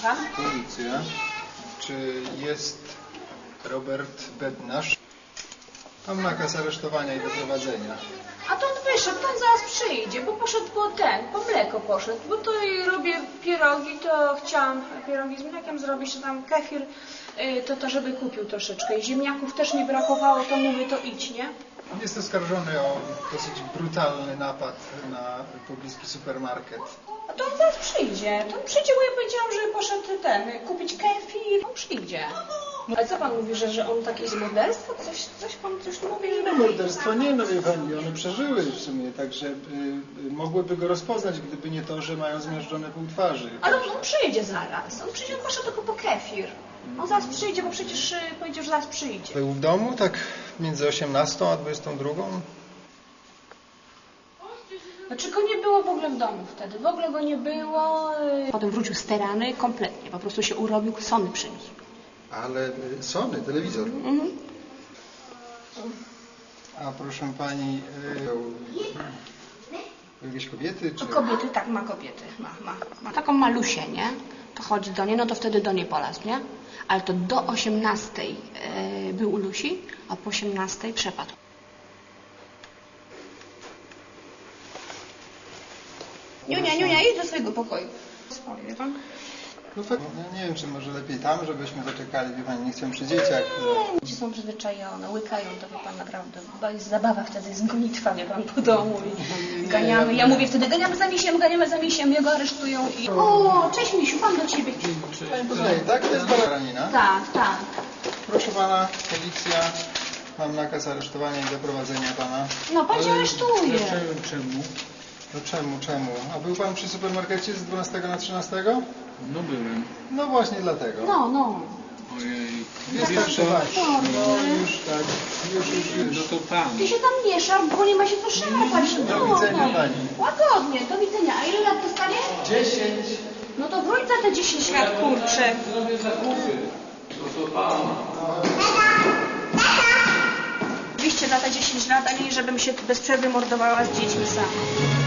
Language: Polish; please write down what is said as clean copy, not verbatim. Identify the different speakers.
Speaker 1: Słucham?
Speaker 2: Policja. Czy jest Robert Bednarz? Mam nakaz aresztowania i doprowadzenia.
Speaker 1: A to on wyszedł, to on zaraz przyjdzie, bo poszedł po mleko poszedł, bo to robię pierogi, to chciałam pierogi z mlekiem zrobić, czy tam kefir, to żeby kupił troszeczkę. I ziemniaków też nie brakowało, to mówię, to idź, nie?
Speaker 2: Jest oskarżony o dosyć brutalny napad na pobliski supermarket.
Speaker 1: A to on zaraz przyjdzie, bo ja powiedziałam, że poszedł kupić kefir, on przyjdzie. Ale co pan mówi, że on takie jest morderstwo? Coś pan mówi, że...
Speaker 2: No morderstwo nie, no wie pani, one przeżyły w sumie, także mogłyby go rozpoznać, gdyby nie to, że mają zmiażdżone pół twarzy.
Speaker 1: Ale on przyjdzie zaraz, on poszedł tylko po kefir. On zaraz przyjdzie, bo przecież powiedział, że zaraz przyjdzie.
Speaker 2: Był w domu tak między 18 a 22?
Speaker 1: Znaczy go nie było w ogóle w domu wtedy, w ogóle go nie było. Potem wrócił sterany kompletnie, po prostu się urobił, Sony przyniósł.
Speaker 2: Ale Sony, telewizor. A proszę pani, jakieś kobiety? Czy...
Speaker 1: Kobiety, tak, ma kobiety, ma. Taką malusię, nie? To chodzi do niej, no to wtedy do niej polazł, nie? Ale to do 18 był u Lusi, a po 18 przepadł. Niunia, idź do swojego pokoju. Spali, wie pan?
Speaker 2: No fakt, ja nie wiem, czy może lepiej tam, żebyśmy zaczekali, wie pani, nie chcę przy dzieciach.
Speaker 1: Dzieci są przyzwyczajone, łykają, to wie pan naprawdę, chyba jest zabawa wtedy, jest gonitwa, wie pan, po domu i ganiamy. Ja mówię wtedy, ganiamy za misiem, jego aresztują i... O, cześć Misiu, pan do ciebie.
Speaker 2: Pani poznaje, tak? To jest baranina?
Speaker 1: Tak.
Speaker 2: Proszę pana, policja, mam nakaz aresztowania i doprowadzenia pana.
Speaker 1: No, pan się aresztuje.
Speaker 2: Czemu? No czemu? A był pan przy supermarkecie z 12 na 13?
Speaker 3: No byłem.
Speaker 2: No właśnie dlatego.
Speaker 1: No.
Speaker 3: Ojej.
Speaker 2: Jest
Speaker 3: Wiesz
Speaker 2: tak,
Speaker 3: co?
Speaker 2: no już tak, już.
Speaker 3: No to tam.
Speaker 1: Ty się tam mieszasz, bo nie ma się co szarpać.
Speaker 2: Do widzenia pani.
Speaker 1: Łagodnie, do widzenia. A ile lat dostanie?
Speaker 2: 10.
Speaker 1: No to wróć za te 10 lat, kurczę.
Speaker 3: Zrobię zakupy. No to tam.
Speaker 1: Oczywiście za te 10 lat, a nie żebym się bez przerwy mordowała z dziećmi sama.